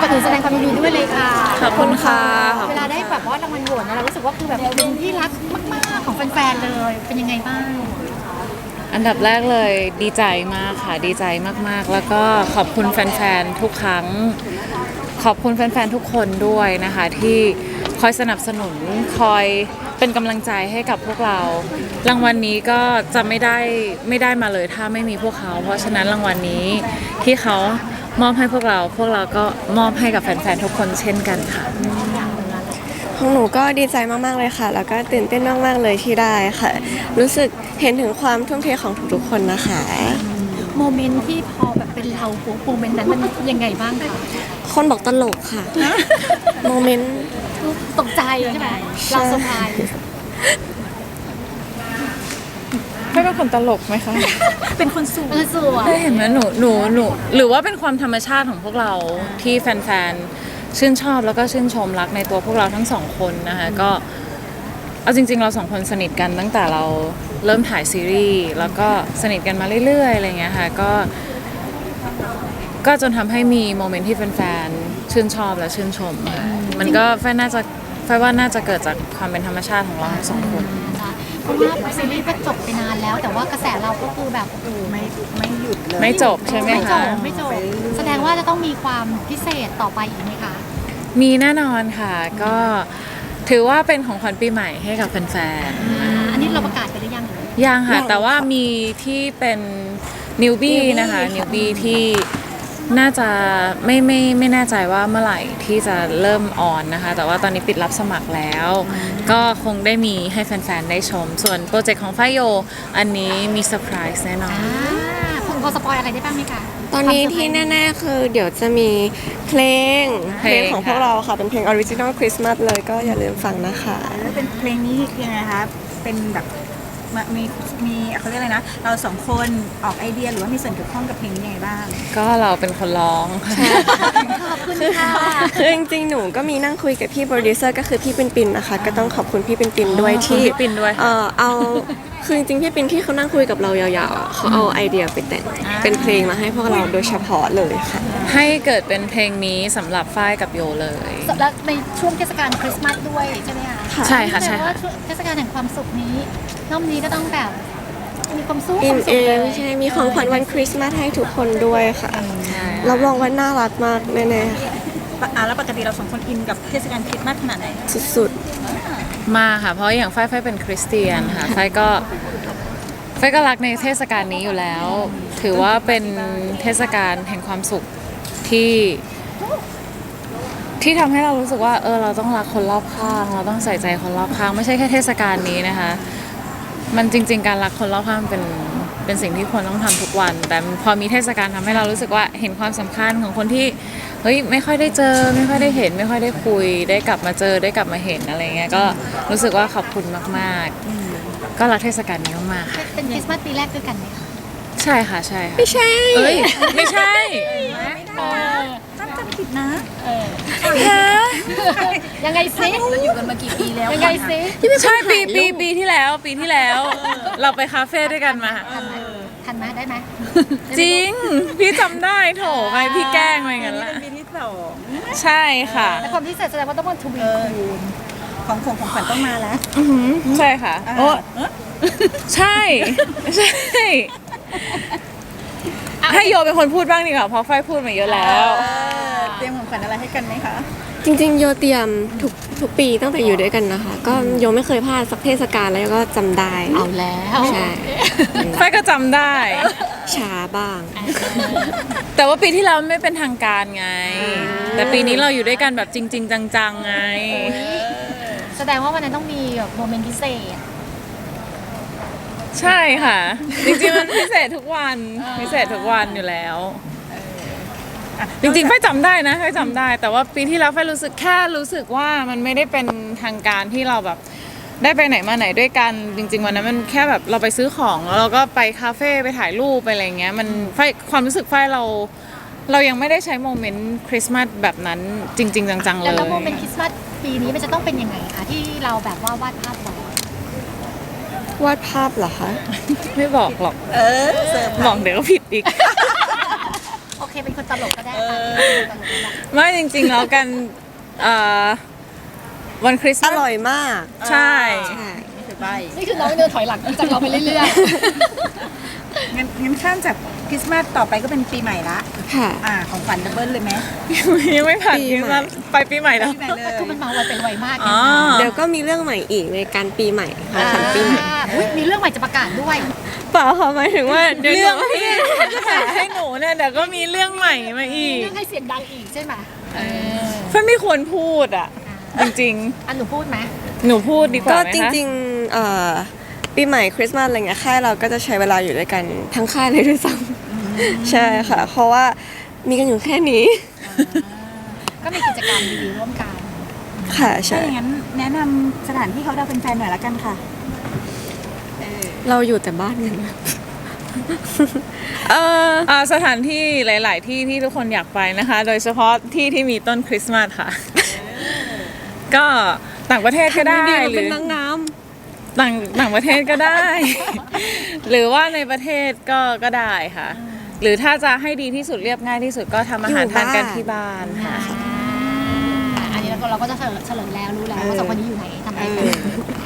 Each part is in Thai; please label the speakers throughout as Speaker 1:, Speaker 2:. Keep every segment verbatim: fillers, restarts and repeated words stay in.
Speaker 1: ก่อนอื่นแสดงความยินดีด้วยเลยค่ะ
Speaker 2: ขอบคุณค่ะ
Speaker 1: เวลาได้แบบว่ารางวัลโหวตเนี่ยเรารู้สึกว่าคือแบบเป็นที่รักมากๆของแฟนๆเลยเป็นยังไงบ้าง
Speaker 2: อันดับแรกเลยดีใจมากค่ะดีใจมากๆ แล้วก็ขอบคุณแฟนๆทุกครั้ง ขอบคุณแฟนๆทุกคนด้วยนะคะที่คอยสนับสนุนคอยเป็นกำลังใจให้กับพวกเรา รางวัลนี้ก็จะไม่ได้ไม่ได้มาเลยถ้าไม่มีพวกเขา เพราะฉะนั้นรางวัลนี้ที่เขามอบให้พวกเรา พวกเราก็มอบให้กับแฟนๆทุกคนเช่นกันค่ะ
Speaker 3: ของหนูก็ดีใจมากๆเลยค่ะ แล้วก็ตื่นเต้นมากๆเลยที่ได้ค่ะ รู้สึกเห็นถึงความทุ่มเทของทุกๆคนนะคะ
Speaker 1: โมเมนต์ที่พอแบบเป็นเราโมเมนต์นั้นมันยังไงบ้างคะ
Speaker 3: คนบอกตลกค่ะ โมเมนต์
Speaker 1: ตกใจใช่ไหมเราเซอร์ไพรส์
Speaker 2: ไม่เป็นคนตลกไหมคะ
Speaker 1: เป็นคนสวยเออสวย
Speaker 2: ได้เห็นไหมหนูหนูหนูหรือว่าเป็นความธรรมชาติของพวกเราที่แฟนๆชื่นชอบแล้วก็ชื่นชมรักในตัวพวกเราทั้งสองคนนะคะก็เอาจริงๆเราสองคนสนิทกันตั้งแต่เราเริ่มถ่ายซีรีส์แล้วก็สนิทกันมาเรื่อยๆอะไรเงี้ยค่ะก็ก็จนทำให้มีโมเมนต์ที่แฟนๆชื่นชอบและชื่นชมค่ะมันก็แฟนน่าจะแฟนว่าน่าจะเกิดจากความเป็นธรรมชาติของเราทั้งสองคน
Speaker 1: เพราะว่าซีรีส์ก็จบไปนานแล้ว แต่ว่ากระแสเราก็คือแบบโอ้โหไม่
Speaker 4: ไม่หยุดเลย
Speaker 2: ไม่จบใช่ไหม
Speaker 1: ไม่จ
Speaker 2: คะ
Speaker 1: บไม่จบแสดงว่าจะต้องมีความพิเศษต่อไปอีกไหมคะ
Speaker 2: มีแน่นอนค่ะก็ถือว่าเป็นของขวัญปีใหม่ให้กับแฟน
Speaker 1: อันนี้เราประกาศไปหรือยังหรือ
Speaker 2: ๆยังค่ะแต่ว่ามีที่เป็นนิวบี้นะคะนิวบี้ที่น่าจะไม่ไม่ไม่แน่ใจว่าเมื่อไหร่ที่จะเริ่มออนนะคะแต่ว่าตอนนี้ปิดรับสมัครแล้ว ก็คงได้มีให้แฟนๆได้ชม ส่วนโปรเจกต์ของฝ้ายโยอันนี้มีเซอร์ไพรส์แน่นอน
Speaker 1: อ่าคุณพอสปอยอะไรได้บ้างไหมคะ
Speaker 3: ตอนนี้ที่แน่ๆคือเดี๋ยวจะมีเพลง
Speaker 2: เพ
Speaker 3: เพ
Speaker 2: ล
Speaker 3: ล
Speaker 2: ง
Speaker 3: งของพวกเราค่ะ เป็นเพลงออริจินอลคริสต์มาสเลยก็อย่าลืมฟังนะคะ
Speaker 4: แล้วเป็นเพลงนี้ยังไงคะเป็นแบบมามีมีเขาเรียกอะไรนะ เราสองคนออกไอเดียหรือว่ามีส่วนเกี่ยวข้องกับเพลงนี้ยังไงบ้าง
Speaker 2: ก็เราเป็นคนร้องค่ะ
Speaker 1: ขอบคุณค่ะ
Speaker 3: คือจริงๆ หนูก็มีนั่งคุยกับพี่โปรดิวเซอร์ก็คือพี่ปินปินนะคะ ก็ต้องขอบคุณพี่ปินปินด้วย
Speaker 2: ขอบคุณ
Speaker 3: ที่
Speaker 2: พี่ปิ่นด้วย
Speaker 3: เออเอาคือจริงๆ พี่ปินที่เขานั่งคุยกับเรายาวๆอ่ะเขาเอาไอเดียไปแต่งเป็นเพลงมาให้พวกเราโดยเฉพาะเลยค่ะ
Speaker 2: ให้เกิดเป็นเพลงนี้สำหรับฝ้ายกับโยเลย
Speaker 1: แล้วในช่วงเทศกาลคริสต์มาสด้วยใช่ไหมคะ
Speaker 3: ค่ะ
Speaker 2: ใช่ค่ะ
Speaker 1: แป
Speaker 2: ใช่
Speaker 1: ลว่า
Speaker 2: ค่ะ
Speaker 1: ช่วงเทศกาลแห่งความสุขนี้รอบนี้ก็ต้องแบบมีความสุข
Speaker 3: อิ
Speaker 1: ความ
Speaker 3: น
Speaker 1: สุ
Speaker 3: เอ
Speaker 1: ขเลย
Speaker 3: งใช่มีของขวัญวันคริสต์มาสให้ทุกคนด้วยค่ะ
Speaker 2: ใช่
Speaker 3: รับรองว่าน่ารักมากแน่ๆค่ะ
Speaker 4: อ่ะแล้วปกติเราสองคนอินกับเทศกาลคริสต์มาสขนาดไหน
Speaker 3: สุด
Speaker 2: มาค่ะ เพราะอย่างฝ้ายฝ้ายเป็นคริสเตียนค่ะฝ้ายก็ฝ้ายก็รักในเทศกาลนี้อยู่แล้ว ถือว่าเป็นเทศกาลแห่งความสุขที่ ที่ทำให้เรารู้สึกว่าเออเราต้องรักคนรอบข้าง เราต้องใส่ใจคนรอบข้าง ไม่ใช่แค่เทศกาลนี้นะคะ มันจริง ๆ การรักคนรอบข้างเป็นเป็นสิ่งที่ควรต้องทำทุกวัน แต่พอมีเทศกาลทำให้เรารู้สึกว่าเห็นความสำคัญของคนที่เฮ้ยไม่ค่อยได้เจอ ไม่ค่อยได้เห็น ไม่ค่อยได้คุย ได้กลับมาเจอได้กลับมาเห็นอะไรเงี้ยก็รู้สึกว่าขอบคุณมากๆ ก็รักเทศกาลนี้มากๆค่ะ
Speaker 1: เป็นคริสต์มาสปีแรกด้วยกันไหมคะ
Speaker 2: ใช่ค่ะใช่ค่ะ
Speaker 3: ๆ ไม่ใช่
Speaker 2: เอ้ยไม่ใช่
Speaker 1: เออ
Speaker 4: จำจำผิดนะ
Speaker 1: เออ
Speaker 2: ฮะ
Speaker 1: ยังไงซิเราอยู่กันมากี่ปีแล้วยังไงซิ
Speaker 2: ใช่ปีปีปีที่แล้วปีที่แล้ว เราไปคาเฟ่ด้วยกันมา
Speaker 1: ทันไหมทันไหมได้ไหม
Speaker 2: จริง พี่จำได้โถไปพี่แกล้งไปงั้นละ
Speaker 4: เป็นปีที่สอง
Speaker 2: ใช่ค่ะ
Speaker 1: แต่ความพิเศษแสดงว่าต้องเป็นทวีคูณ
Speaker 4: ของของของขวัญต้องมาแล้ว
Speaker 2: อือหือใช่ค่ะโอ้ใช่ใช่ให้โยเป็นคนพูดบ้างดีกว่าเพราะไฟพูดมาเยอะแล้ว
Speaker 4: เตรียมของขวัญอะไรให้กันไหมคะ
Speaker 3: จริงๆ โยเตรียมทุกทุกปีตั้งแต่อยู่ด้วยกันนะคะ ก็โยไม่เคยพลาดสักเทศกาลแล้วก็จำได้
Speaker 1: เอาแล้ว
Speaker 3: ใช่
Speaker 2: ไฟก็จำได้
Speaker 3: ช้าบ้าง
Speaker 2: แต่ว่าปีที่แล้วไม่เป็นทางการไง แต่ปีนี้เราอยู่ด้วยกันแบบจริง ๆ จังๆไง
Speaker 1: แสดงว่าวันนั้นต้องมีแบบโมเมนต์พิเศษ
Speaker 2: ใช่ค่ะ จริงๆมันพิเศษทุกวันพิเศษทุกวันอยู่แล้ว จริงๆไฟจำได้นะไฟจำได้ แต่ว่าปีที่แล้วไฟรู้สึกแค่รู้สึกว่ามันไม่ได้เป็นทางการที่เราแบบได้ไปไหนมาไหนด้วยกัน จริง ๆวันนั้นมันแค่แบบเราไปซื้อของแล้วเราก็ไปคาเฟ่ไปถ่ายรูปไปอะไรเงี้ยมันไฟความรู้สึกไฟเรา เรายังไม่ได้ใช้โมเมนต์คริสต์มาสแบบนั้นจริง ๆ จังๆเล
Speaker 1: แล้ว
Speaker 2: ย
Speaker 1: แล้วโมเมนต์คริสต์มาสปีนี้มันจะต้องเป็นยังไงคะที่เราแบบว่าวาดภาพไว้
Speaker 3: วาดภาพเหรอคะ
Speaker 2: ไม่บอกหรอก
Speaker 4: เออเสิร์ฟ
Speaker 2: บอกเดี๋ยวก็ผิดอีก
Speaker 1: โอเคเคเป็นคนตลกก็ได้ค่ะเป็นคนตลกก็ได้
Speaker 2: ไม่จริงๆแล้วกันเอ่อวันคริสต์
Speaker 3: อ
Speaker 2: มาส
Speaker 3: ร่อยมาก
Speaker 2: ใช่
Speaker 3: ใช่
Speaker 4: นี่คือใบ
Speaker 1: นี่คือน้องเดินถอยหลังจากเราไปเรื่อย
Speaker 4: งั้นงั้นข้ามจากคริสต์มาสต่อไปก็เป็นปีใหม่ละ
Speaker 3: ค่ะ
Speaker 4: อ่าของขวัญดับเบิลเลยไหม
Speaker 2: ยังไม่ผ่าน
Speaker 3: ปี
Speaker 2: คริส
Speaker 3: ใหม่
Speaker 2: ต์มาสไปปีใหม่แล้ว
Speaker 4: ปีใหม่เลย
Speaker 1: ๆคือมันมาไวไปไวมาก
Speaker 2: อ๋อ
Speaker 3: เดี๋ยวก็มีเรื่องใหม่อีกในการปีใหม่ค่ะ
Speaker 1: อ่า
Speaker 3: ขวัญปีใหม่
Speaker 1: อุ๊ยมีเรื่องใหม่จะประกาศด้วย
Speaker 3: เปล่าค่ะหมายถึงว่าเดี๋ยว
Speaker 2: เรื่อง
Speaker 3: หนู
Speaker 2: ที่จะหาให้หนูเนี่ยเดี๋ยวก็มีเรื่องใหม่มาอีก
Speaker 1: เรื่องให้เสียงดังอีกใช่ไหมเออ
Speaker 2: เพื่อนไม่ควรพูดอ่ะ จริง
Speaker 1: อันหนูพูดไหม
Speaker 2: ๆ หนูพูดดีก
Speaker 3: ก็
Speaker 2: ว่าไหม
Speaker 3: จ
Speaker 2: คะ
Speaker 3: ริงๆเอ่อปีใหม่คริสต์มาสอะไรเงี้ยค่ายเราก็จะใช้เวลาอยู่ด้วยกันทั้งค่ายเลยด้วยซ้ำใช่ค่ะ เพราะว่ามีกันอยู่แค่นี้
Speaker 1: ก็มีกิจกรรมดีๆร่วมกัน
Speaker 3: ค่ะ
Speaker 4: ถ้า
Speaker 3: ใช่
Speaker 4: อย่างนั้นแนะนำสถานที่เขาดาวเป็นแฟนหน่อยละกันค่ะ
Speaker 3: เราอยู่แต่บ้านกันนะเออ
Speaker 2: อ่าสถานที่หลาย ๆ ที่ที่ทุกคนอยากไปนะคะ โดยเฉพาะที่ที่มีต้นคริสต์มาสค่ะ ก็ต่างประเทศก็ได้
Speaker 3: ทำดีๆ
Speaker 2: ห
Speaker 3: เป็
Speaker 2: รื
Speaker 3: น
Speaker 2: อ
Speaker 3: นางงาม
Speaker 2: ต่างต่างประเทศก็ได้ หรือว่าในประเทศก็ก็ได้ค่ะ หรือถ้าจะให้ดีที่สุดเรียบง่ายที่สุดก็ทำอาหาร
Speaker 3: อยู่
Speaker 2: ทานกัน
Speaker 3: บ้าน
Speaker 2: ที่บ้านค่ะ
Speaker 1: อ่าอันนี้เราก็เราก็จะเฉลยเฉลยแล้วรู้แล้วว่าสองคนนี้อยู่ไหนทำอะไรกัน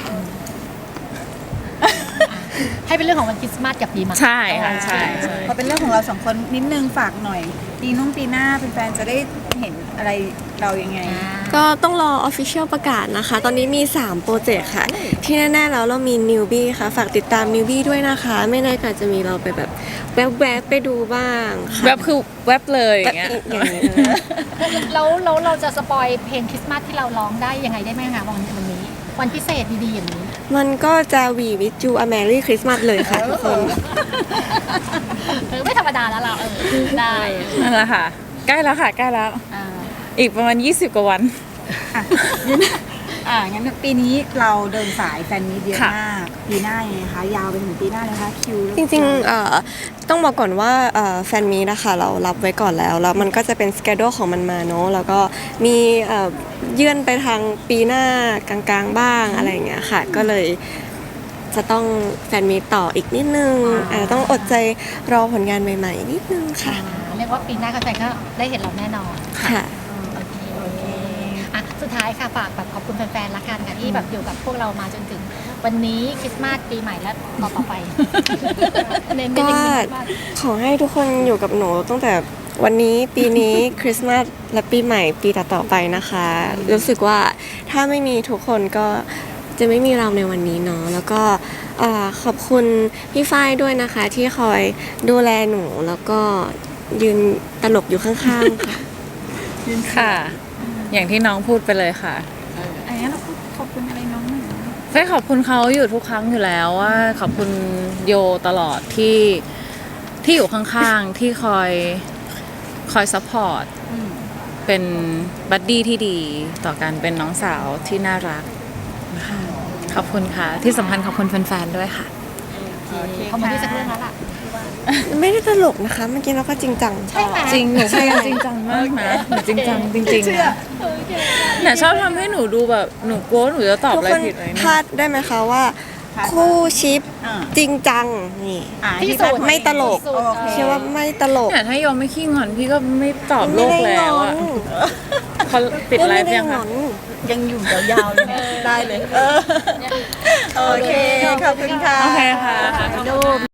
Speaker 1: ให้เป็นเรื่องของวันคริสต์มาสกับปีใหม่
Speaker 2: ใช่ค่ะใช่ใช่
Speaker 4: พอเป็นเรื่องของเราสองคนนิดนึงฝากหน่อย ปีนุ่งปีหน้าเป็นแฟนจะได้เห็นอะไรเรายังไง
Speaker 3: ก็ต้องรอ Official ประกาศนะคะ ตอนนี้มี สาม โปรเจกต์ค่ะ ที่แน่ๆแล้วเรามี Newbie ค่ะ ฝากติดตาม Newbie ด้วยนะคะ ไม่แน่ก็จะมีเราไปแบบแวบๆไปดูบ้างค่ะ
Speaker 2: แวบคือแวบเลยอ
Speaker 3: แบบ
Speaker 2: ย่างเงี้ย
Speaker 3: อย่างนี้เลย
Speaker 1: แล้วแล้วเราจะสปอยเพลงคริสต์มาสที่เราร้องได้ยังไงได้ไหมคะวันวันนี้ วันพิเศษดีๆอย่างนี้
Speaker 3: มันก็จะวีวิจูอ Merry Christmas เลยค่ะทุกคน
Speaker 1: เออไม่ธรรมดาแล้วเราเออได้
Speaker 2: นั่นแหละค่ะ ใกล้แล้วค่ะ ใกล้แล้ว
Speaker 1: อ่า
Speaker 2: อีกประมาณยี่สิบกว่าวัน
Speaker 4: อ่ะงั้นอ่างั้นปีนี้เราเดินสายแฟนมีตเยอะ
Speaker 2: ค่ะ
Speaker 4: มากปีหน้ายังไงคะยาวไปถึงปีหน้าเลยคะคิว
Speaker 3: จริงๆเอ่อต้องบอกก่อนว่าเอ่อแฟนมีนะคะเรารับไว้ก่อนแล้ว แล้วมันก็จะเป็นสเกดูของมันมาเนาะแล้วก็มีเอ่อเยื่อนไปทางปีหน้ากลางๆบ้างอะไรอย่างเงี้ยค่ะ ก็เลยจะต้องแฟนมีตต่ออีกนิดนึงอาจจะต้องอดใจรอผลงานใหม่ๆ นิดนึงค่ะ
Speaker 1: อ่าเรียกว่าปีหน้าแฟนๆก็ได้เห็นเราแน่นอน
Speaker 3: ค่ะ
Speaker 1: โอเคโอเคอ่ะสุดท้ายค่ะฝากแบบขอบคุณแฟนๆละกันค่ะที่แบบอยู่กับพวกเรามาจนถึงวันนี้คริสต์มาสปีใหม่และต่อต่อๆไป เน้นๆ
Speaker 3: ก็
Speaker 1: เน้นๆคริสต์มาส
Speaker 3: ขอให้ทุกคนอยู่กับหนูตั้งแต่วันนี้ปีนี้ คริสต์มาสและปีใหม่ปีต่อๆไปนะคะ รู้สึกว่าถ้าไม่มีทุกคนก็จะไม่มีเราในวันนี้เนาะแล้วก็เอ่อขอบคุณพี่ฝ้ายด้วยนะคะ ที่คอยดูแลหนูแล้วก็ยืนตลกอยู่ข้างๆค่ะ
Speaker 2: ค่ะ อย่างที่น้องพูดไปเลยค่ะ
Speaker 4: อันนี้เราพูดขอบคุณอะไรน้องหน่อยนะ
Speaker 2: เฟ้ขอบคุณเขาอยู่ทุกครั้งอยู่แล้วว่าขอบคุณโยตลอดที่ที่อยู่ข้างๆ ที่คอยคอยซัพพอร์ต
Speaker 4: อืม
Speaker 2: เป็นบัดดี้ที่ดีต่อกันเป็นน้องสาวที่น่ารักนะคะขอบคุณค่ะ ที่สำคัญขอบคุณแฟนๆด้วยค่ะ
Speaker 4: โอเค
Speaker 1: เขามาที่สักเรื่องแล้วล่ะ
Speaker 3: ไม่ได้ตลกนะคะ เมื่อกี้เราก็จริงจัง
Speaker 1: ใช่ไหม
Speaker 2: จริงหนูพยายามจริงจังมากนะหนูจริงจังจริงๆนะเนี่ยชอบทำให้หนูดูแบบหนูกลัวว่าหนูจะตอบ
Speaker 3: ทุก
Speaker 2: อะไร
Speaker 3: คน
Speaker 2: ผิดเลย
Speaker 3: พ
Speaker 2: เนี่
Speaker 3: ลาย ดได้ไหมคะว่า คู่ชิป
Speaker 4: อ่า
Speaker 3: จริงจังนี่
Speaker 4: อ่า
Speaker 1: ที่
Speaker 4: ที่
Speaker 1: สุด
Speaker 3: ไม่ตลก
Speaker 1: สุด
Speaker 4: โอเค
Speaker 3: เชื่อว่าไม่ตลก
Speaker 2: เนี่ยถ้าโยมไม่ขี้งอนพี่ก็ไม่ตอบโลก
Speaker 3: ไม่ได้
Speaker 2: แล้ว
Speaker 3: งอ
Speaker 2: อะ
Speaker 3: น
Speaker 2: เขาปิดไล
Speaker 3: ไม่
Speaker 2: ฟ์
Speaker 3: ได้
Speaker 2: ยัง
Speaker 3: ง
Speaker 2: คะ
Speaker 3: อน
Speaker 4: ยังอยู่ยาวๆเลยนะได้เลยเออโอเค ขอบคุณค่ะ
Speaker 2: โอเคค่ะ